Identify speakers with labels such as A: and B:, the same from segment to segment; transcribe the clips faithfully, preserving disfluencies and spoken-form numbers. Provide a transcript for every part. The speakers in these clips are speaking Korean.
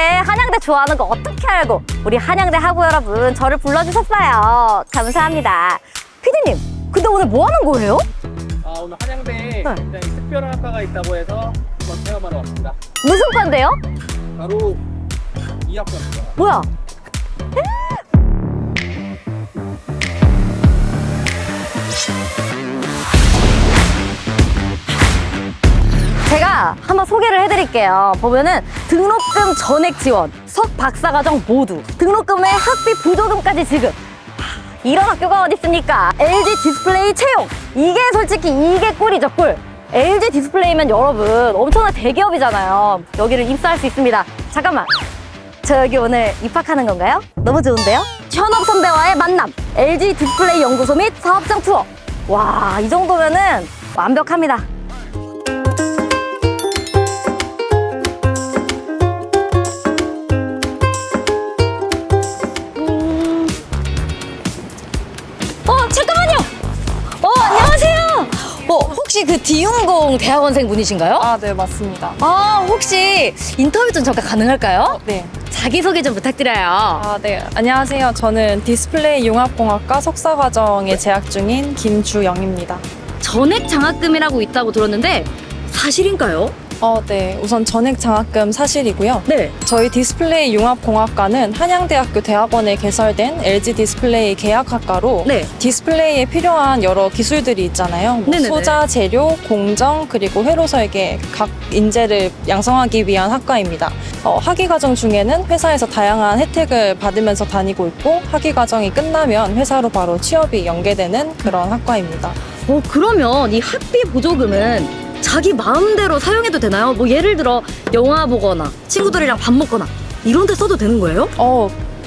A: 한양대 좋아하는 거 어떻게 알고 우리 한양대 학우 여러분 저를 불러주셨어요. 감사합니다. 피디님, 근데 오늘 뭐 하는 거예요?
B: 아, 오늘 한양대에 굉장히 특별한 학과가 있다고 해서 한번 체험하러 왔습니다.
A: 무슨 과인데요?
B: 바로 이 학과입니다.
A: 뭐야? 제가 한번 소개를 해드릴게요. 보면은 등록금 전액 지원, 석 박사과정 모두, 등록금에 학비 보조금까지 지급. 이런 학교가 어디 있습니까? 엘지 디스플레이 채용. 이게 솔직히 이게 꿀이죠, 꿀. 엘지 디스플레이면 여러분 엄청난 대기업이잖아요. 여기를 입사할 수 있습니다. 잠깐만, 저 여기 오늘 입학하는 건가요? 너무 좋은데요? 현업 선배와의 만남, 엘지 디스플레이 연구소 및 사업장 투어. 와, 이 정도면은 완벽합니다. 음... 어, 잠깐만요. 어, 안녕하세요. 어, 혹시 그 디윤공 대학원생 분이신가요?
C: 아, 네, 맞습니다.
A: 아, 혹시 인터뷰 좀 잠깐 가능할까요?
C: 네.
A: 자기소개 좀 부탁드려요.
C: 아, 네. 안녕하세요. 저는 디스플레이 융합공학과 석사과정에 재학 중인 김주영입니다.
A: 전액 장학금이라고 있다고 들었는데 사실인가요?
C: 어, 네. 우선 전액 장학금 사실이고요.
A: 네.
C: 저희 디스플레이 융합공학과는 한양대학교 대학원에 개설된 엘지 디스플레이 계약학과로
A: 네.
C: 디스플레이에 필요한 여러 기술들이 있잖아요. 뭐
A: 네네네.
C: 소자, 재료, 공정, 그리고 회로 설계 각 인재를 양성하기 위한 학과입니다. 어, 학위 과정 중에는 회사에서 다양한 혜택을 받으면서 다니고 있고 학위 과정이 끝나면 회사로 바로 취업이 연계되는 그런 학과입니다.
A: 어, 그러면 이 학비 보조금은 자기 마음대로 사용해도 되나요? 뭐 예를 들어 영화 보거나 친구들이랑 밥 먹거나 이런 데 써도 되는 거예요?
C: 어,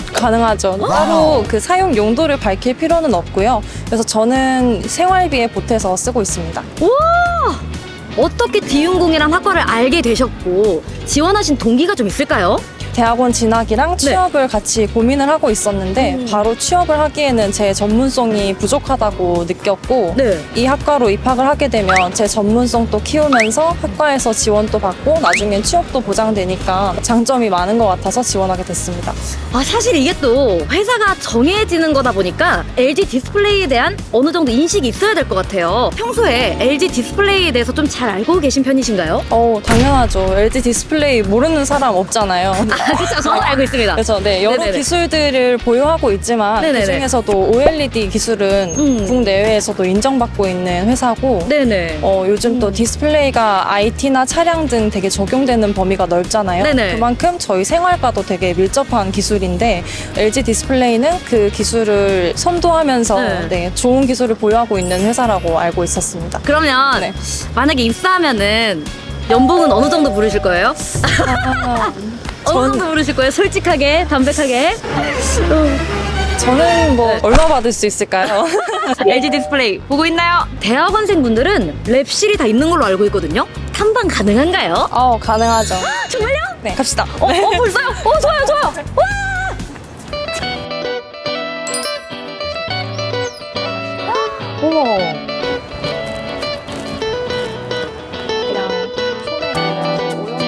C: 가능하죠. 따로 그 사용 용도를 밝힐 필요는 없고요. 그래서 저는 생활비에 보태서 쓰고 있습니다.
A: 우와! 어떻게 디윤공이란 학과를 알게 되셨고 지원하신 동기가 좀 있을까요?
C: 대학원 진학이랑 취업을 같이 고민을 하고 있었는데
A: 음.
C: 바로 취업을 하기에는 제 전문성이 부족하다고 느꼈고
A: 네.
C: 이 학과로 입학을 하게 되면 제 전문성도 키우면서 학과에서 지원도 받고 나중엔 취업도 보장되니까 장점이 많은 것 같아서 지원하게 됐습니다.
A: 아, 사실 이게 또 회사가 정해지는 거다 보니까 엘지 디스플레이에 대한 어느 정도 인식이 있어야 될 것 같아요. 평소에 엘지 디스플레이에 대해서 좀 잘 알고 계신 편이신가요?
C: 어, 당연하죠. 엘지 디스플레이 모르는 사람 없잖아요.
A: 아, 그쵸. 저는 알고 있습니다.
C: 그래서 네, 여러
A: 네네네.
C: 기술들을 보유하고 있지만
A: 네네네.
C: 그중에서도 오엘이디 기술은
A: 음.
C: 국내외에서도 인정받고 있는 회사고
A: 네네.
C: 어, 요즘 또
A: 음.
C: 디스플레이가 아이티나 차량 등 되게 적용되는 범위가 넓잖아요.
A: 네네.
C: 그만큼 저희 생활과도 되게 밀접한 기술인데 엘지 디스플레이는 그 기술을 선도하면서
A: 네.
C: 네, 좋은 기술을 보유하고 있는 회사라고 알고 있었습니다.
A: 그러면
C: 네.
A: 만약에 입사하면은 연봉은 어느 정도 부르실 거예요?
C: 아,
A: 어느 정도 부르실 거예요? 솔직하게, 담백하게.
C: 저는 뭐
A: 네.
C: 얼마 받을 수 있을까요?
A: 엘지 디스플레이 보고 있나요? 대학원생분들은 랩실이 다 있는 걸로 알고 있거든요. 탐방 가능한가요?
C: 어, 가능하죠.
A: 정말요?
C: 네, 갑시다.
A: 어, 어 벌써요? 어, 좋아요, 좋아요. 와! 어머.
C: 그냥 손에 그냥 오염물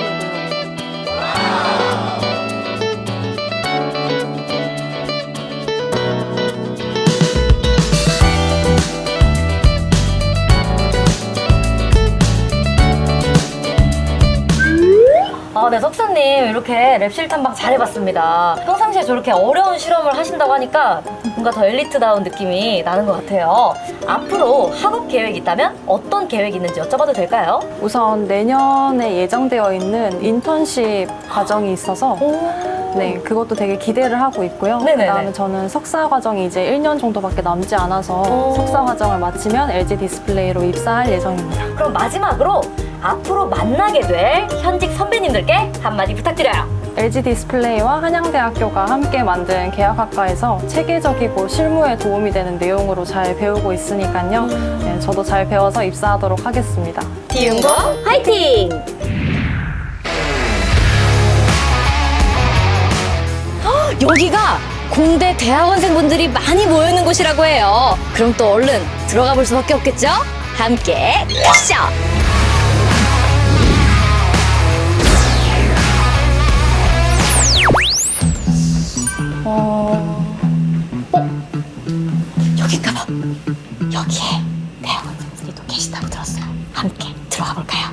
A: 아, 네, 석사님 이렇게 랩실 탐방 잘해봤습니다. 평상시에 저렇게 어려운 실험을 하신다고 하니까 뭔가 더 엘리트다운 느낌이 나는 것 같아요. 앞으로 학업 계획이 있다면 어떤 계획이 있는지 여쭤봐도 될까요?
C: 우선 내년에 예정되어 있는 인턴십 과정이 있어서 네, 그것도 되게 기대를 하고 있고요.
A: 네네네.
C: 그다음에 저는 석사 과정이 이제 일 년 정도밖에 남지 않아서
A: 오.
C: 석사 과정을 마치면 엘지 디스플레이로 입사할 예정입니다.
A: 그럼 마지막으로 앞으로 만나게 될 현직 선배님들께 한마디 부탁드려요.
C: 엘지 디스플레이와 한양대학교가 함께 만든 계약학과에서 체계적이고 실무에 도움이 되는 내용으로 잘 배우고 있으니까요. 네, 저도 잘 배워서 입사하도록 하겠습니다.
A: 디윤공 화이팅! 헉, 여기가 공대 대학원생분들이 많이 모여있는 곳이라고 해요. 그럼 또 얼른 들어가 볼 수밖에 없겠죠? 함께 가시죠! 어... 어? 여긴가 봐. 여기에 대학원생들이 또 계시다고 들었어요. 함께 들어가 볼까요?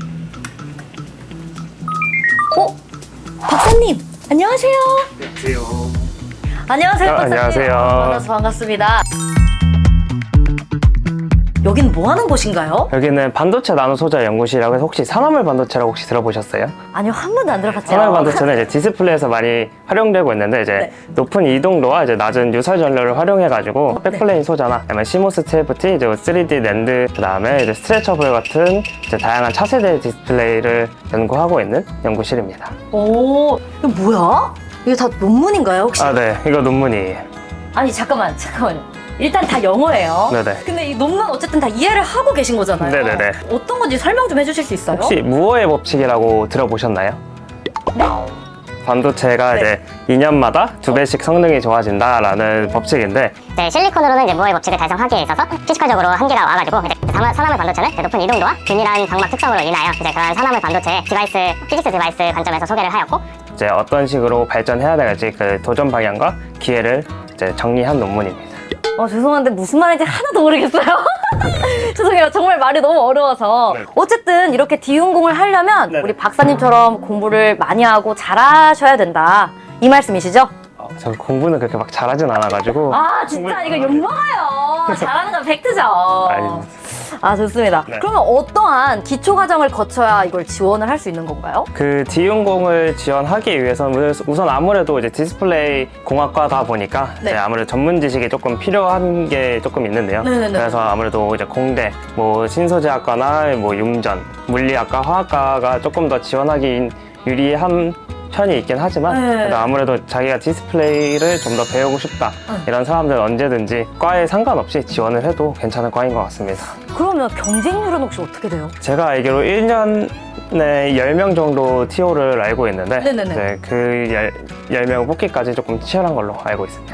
A: 어? 박사님! 안녕하세요.
B: 안녕하세요.
A: 안녕하세요,
B: 아,
A: 박사님.
B: 안녕하세요.
A: 만나서 반갑습니다. 여긴 뭐 하는 곳인가요?
B: 여기는 반도체 나노 소자 연구실이라고 해서 혹시 산화물 반도체라고 혹시 들어보셨어요?
A: 아니요, 한 번도 안 들어봤죠.
B: 산화물 반도체는 이제 디스플레이에서 많이 활용되고 있는데 이제
A: 네.
B: 높은 이동도와 이제 낮은 유설 전류를 활용해가지고
A: 네.
B: 백플레인 소자나 아니면 시모스 티에프티, 이제 쓰리디 낸드, 그다음에 이제 스트레처블 같은 이제 다양한 차세대 디스플레이를 연구하고 있는 연구실입니다.
A: 오, 이거 뭐야? 이게 다 논문인가요, 혹시?
B: 아, 네, 이거 논문이에요.
A: 아니, 잠깐만, 잠깐만요. 일단 다 영어예요.
B: 네네.
A: 근데 이 논문 어쨌든 다 이해를 하고 계신 거잖아요.
B: 네네네.
A: 어떤 건지 설명 좀 해주실 수 있어요?
B: 혹시 무어의 법칙이라고 들어보셨나요?
A: 네.
B: 반도체가
A: 네.
B: 이제 이 년마다 두 배씩 성능이 좋아진다라는 법칙인데
D: 네, 실리콘으로는 이제 무어의 법칙을 달성하기에 있어서 피지컬적으로 한계가 와가지고 이제 산화- 산화물 반도체는 이제 높은 이동도와 균일한 광막 특성으로 인하여 이제 그런 산화물 반도체 디바이스, 피직스 디바이스 관점에서 소개를 하였고
B: 이제 어떤 식으로 발전해야 될지 그 도전 방향과 기회를 이제 정리한 논문입니다.
A: 어, 죄송한데 무슨 말인지 하나도 모르겠어요. 죄송해요. 정말 말이 너무 어려워서.
B: 네.
A: 어쨌든 이렇게 디운공을 하려면
B: 네네.
A: 우리 박사님처럼 공부를 많이 하고 잘하셔야 된다. 이 말씀이시죠?
B: 어, 저 공부는 그렇게 막 잘하진 않아가지고
A: 아, 진짜 이거 욕먹어요. 잘하는 건 팩트죠.
B: 아닙니다.
A: 아, 좋습니다.
B: 네.
A: 그러면 어떠한 기초 과정을 거쳐야 이걸 지원을 할 수 있는 건가요?
B: 그 디운공을 지원하기 위해서는 우선 아무래도 이제 디스플레이 공학과다 보니까
A: 네.
B: 이제 아무래도 전문 지식이 조금 필요한 게 조금 있는데요.
A: 네네네.
B: 그래서 아무래도 이제 공대, 뭐 신소재학과나 뭐 융전, 물리학과, 화학과가 조금 더 지원하기 유리한 편이 있긴 하지만
A: 네.
B: 그래도 아무래도 자기가 디스플레이를 좀 더 배우고 싶다 이런 사람들은 언제든지 과에 상관없이 지원을 해도 괜찮은 과인 것 같습니다.
A: 그러면 경쟁률은 혹시 어떻게 돼요?
B: 제가 알기로 일 년에 열 명 정도 티오를 알고 있는데
A: 네네네.
B: 이제 그 열 명 뽑기까지 조금 치열한 걸로 알고 있습니다.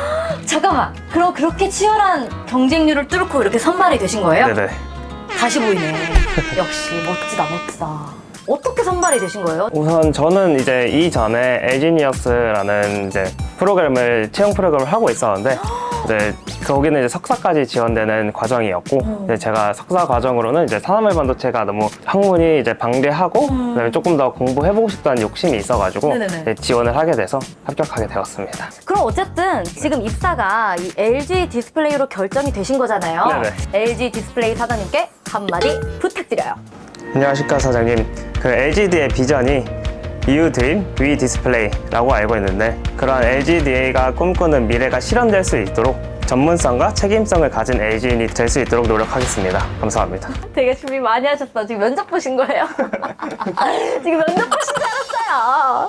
A: 잠깐만. 그럼 그렇게 치열한 경쟁률을 뚫고 이렇게 선발이 되신 거예요?
B: 네네.
A: 다시 보이네. 역시 멋지다, 멋지다. 어떻게 선발이 되신 거예요?
B: 우선 저는 이제 이전에 엘지니어스라는 이제 프로그램을 채용 프로그램을 하고 있었는데 이제 거기는 이제 석사까지 지원되는 과정이었고
A: 음.
B: 이제 제가 석사 과정으로는 이제 산화물 반도체가 너무 학문이 이제 방대하고
A: 음.
B: 그다음에 조금 더 공부해보고 싶다는 욕심이 있어가지고
A: 네네네.
B: 이제 지원을 하게 돼서 합격하게 되었습니다.
A: 그럼 어쨌든 지금 입사가 이 엘지 디스플레이로 결정이 되신 거잖아요.
B: 네네.
A: 엘지 디스플레이 사장님께 한마디 부탁드려요.
B: 안녕하십니까 사장님. 그 엘지디의 비전이 You Dream, We Display라고 알고 있는데 그런 엘지디가 꿈꾸는 미래가 실현될 수 있도록 전문성과 책임성을 가진 엘지인이 될 수 있도록 노력하겠습니다. 감사합니다.
A: 되게 준비 많이 하셨어. 지금 면접 보신 거예요? 지금 면접 보신 줄 알았어요.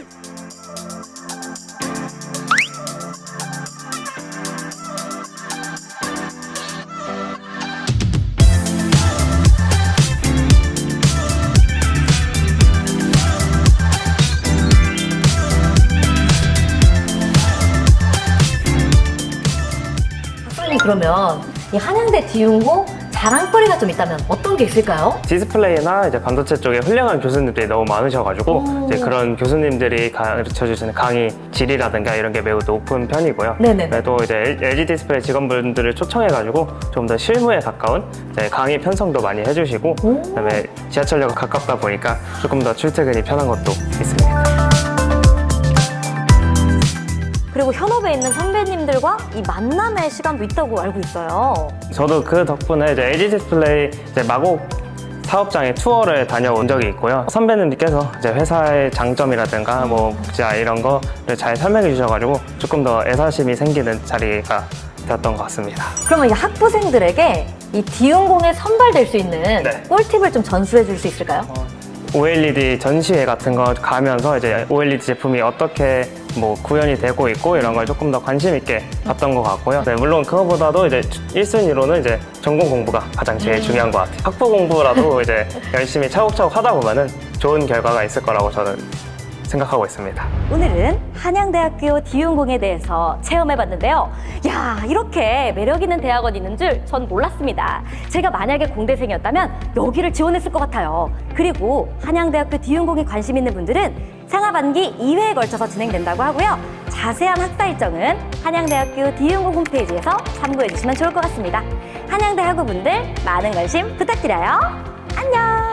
A: 박사님, 그러면 이 한양대 디운공 자랑거리가 좀 있다면 어떤 게 있을까요?
B: 디스플레이나 이제 반도체 쪽에 훌륭한 교수님들이 너무 많으셔가지고
A: 오.
B: 이제 그런 교수님들이 가르쳐 주시는 강의 질이라든가 이런 게 매우 높은 편이고요.
A: 네네네.
B: 또 이제 엘지 디스플레이 직원분들을 초청해가지고 좀 더 실무에 가까운 이제 강의 편성도 많이 해주시고
A: 오.
B: 그다음에 지하철역과 가깝다 보니까 조금 더 출퇴근이 편한 것도 있습니다.
A: 그리고 현업에 있는 선배님들과 이 만남의 시간도 있다고 알고 있어요.
B: 저도 그 덕분에 이제 엘지 디스플레이 이제 마곡 사업장에 투어를 다녀온 적이 있고요. 선배님들께서 이제 회사의 장점이라든가 뭐 복지아 이런 거를 잘 설명해 주셔가지고 조금 더 애사심이 생기는 자리가 되었던 것 같습니다.
A: 그러면 이 학부생들에게 이 디운공에 선발될 수 있는
B: 네.
A: 꿀팁을 좀 전수해 줄 수 있을까요?
B: 오엘이디 전시회 같은 거 가면서 이제 오엘이디 제품이 어떻게 뭐 구현이 되고 있고 이런 걸 조금 더 관심 있게 봤던 것 같고요. 네, 물론 그거보다도 이제 일 순위로는 이제 전공 공부가 가장 제일 중요한 것 같아요. 학부 공부라도 이제 열심히 차곡차곡 하다 보면은 좋은 결과가 있을 거라고 저는 생각하고 있습니다.
A: 오늘은 한양대학교 디운공에 대해서 체험해봤는데요. 야, 이렇게 매력있는 대학원이 있는 줄 전 몰랐습니다. 제가 만약에 공대생이었다면 여기를 지원했을 것 같아요. 그리고 한양대학교 디운공에 관심 있는 분들은 상하반기 이 회에 걸쳐서 진행된다고 하고요. 자세한 학사 일정은 한양대학교 디윤고 홈페이지에서 참고해 주시면 좋을 것 같습니다. 한양대 학우분들 많은 관심 부탁드려요. 안녕!